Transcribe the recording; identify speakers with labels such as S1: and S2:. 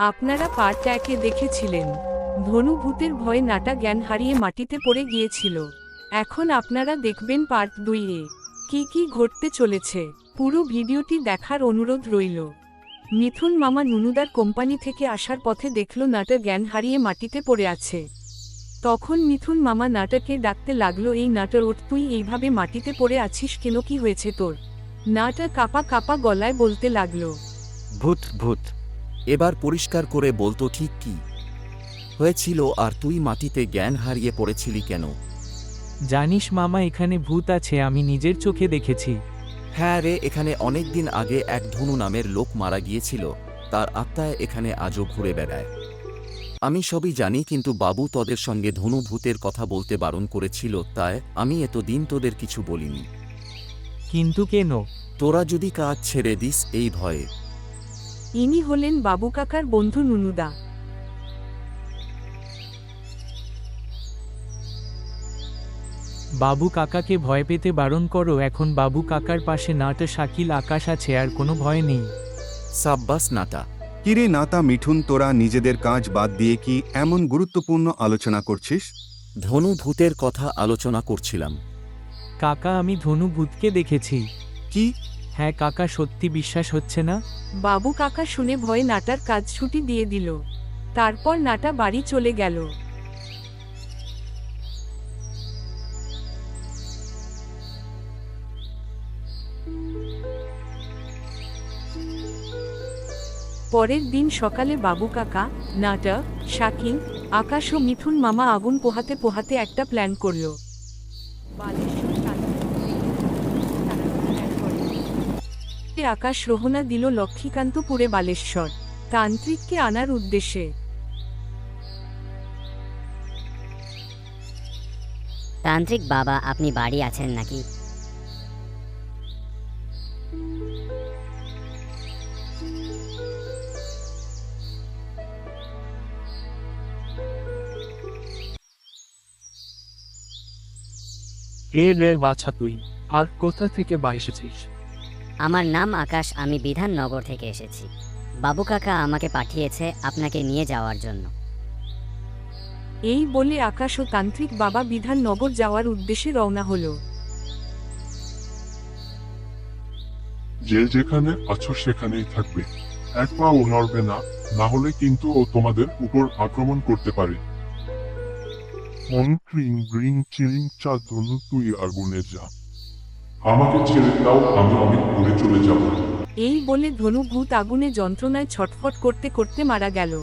S1: আপনারা পার্ট 1-এ দেখেছিলেন ধনু ভূতের ভয়ে নাটা জ্ঞান হারিয়ে মাটিতে পড়ে গিয়েছিল। এখন আপনারা দেখবেন পার্ট 2-এ কি কি ঘটতে চলেছে। পুরো ভিডিওটি দেখার অনুরোধ রইল। মিথুন মামা নুনুদার কোম্পানি থেকে আসার পথে দেখল নাটা জ্ঞান হারিয়ে মাটিতে পড়ে আছে। তখন মিথুন মামা নাটাকে ডাকতে লাগলো, এই নাটা ওঠ, তুই এইভাবে মাটিতে পড়ে আছিস কেন, কি হয়েছে তোর? নাটা কাপা কাপা গলায় বলতে লাগলো,
S2: ভূত ভূত। এবার পরিষ্কার করে বলতো ঠিক কি হয়েছিল, আর তুই মাটিতে জ্ঞান হারিয়ে পড়েছিলি কেন?
S3: জানিস মামা, এখানে ভূত আছে, আমি নিজের চোখে দেখেছি।
S2: হ্যাঁ রে, এখানে অনেক দিন আগে এক ধনু নামের লোক মারা গিয়েছিল, তার আত্মায় এখানে আজও ঘুরে বেড়ায়। আমি সবই জানি, কিন্তু বাবু তোদের সঙ্গে ধনু ভূতের কথা বলতে বারণ করেছিল, তাই আমি এতদিন তোদের কিছু বলিনি।
S3: কিন্তু কেন?
S2: তোরা যদি কাজ ছেড়ে দিস এই ভয়ে।
S1: ইনি হলেন বাবু কাকার বন্ধু নুনুদা।
S3: বাবু কাকাকে ভয় পেতে বারণ করো। এখন বাবু কাকার পাশে নাটা, শাকিল, আকাশ আছে, আর কোনো ভয় নেই।
S2: সাব্বাস নাটা।
S4: কিরে নাতা মিঠুন, তোরা নিজেদের কাজ বাদ দিয়ে কি এমন গুরুত্বপূর্ণ আলোচনা করছিস?
S2: ধনু ভূতের কথা আলোচনা করছিলাম।
S3: কাকা, আমি ধনু ভূতকে দেখেছি।
S4: কি?
S3: হ্যাঁ কাকা, সত্যি বিশ্বাস হচ্ছে না?
S1: বাবু কাকা শুনে ভয়ে নাটার কাজ ছুটি দিয়ে দিল। তারপর নাটা বাড়ি চলে গেল। পরের দিন সকালে বাবু কাকা, নাটা, শাকিল, আকাশ ও মিথুন মামা আগুন পোহাতে পোহাতে একটা প্ল্যান করল। আকাশ রোহনা দিল লক্ষ্মীকান্তপুরে বালেশ্বর তান্ত্রিককে আনার উদ্দেশ্যে।
S5: তান্ত্রিক বাবা, আপনি বাড়ি আছেন নাকি?
S6: কে রে বাছা তুই, আর কোথা থেকে এসেছিস?
S5: আমার নাম আকাশ, আমি বিধাননগর থেকে এসেছি। বাবু কাকা আমাকে পাঠিয়েছে আপনাকে নিয়ে যাওয়ার জন্য।
S1: এই বলে আকাশ ও তান্ত্রিক বাবা বিধাননগর যাওয়ার উদ্দেশ্যে রওনা হলো।
S7: যে যেখানে আছো সেখানেই থাকবে, এক পাও নড়বে না, না হলে কিন্তু ও তোমাদের উপর আক্রমণ করতে পারে। ওং ক্রিং গ্রিং চিরিং চা ধনু, তুই আগুনে যা, আমাকে ছেড়ে দাও, আমি অনেক দূরে চলে যাব।
S1: এই বলে ধনু ভূত আগুনে যন্ত্রণায় ছটফট করতে করতে মারা গেল।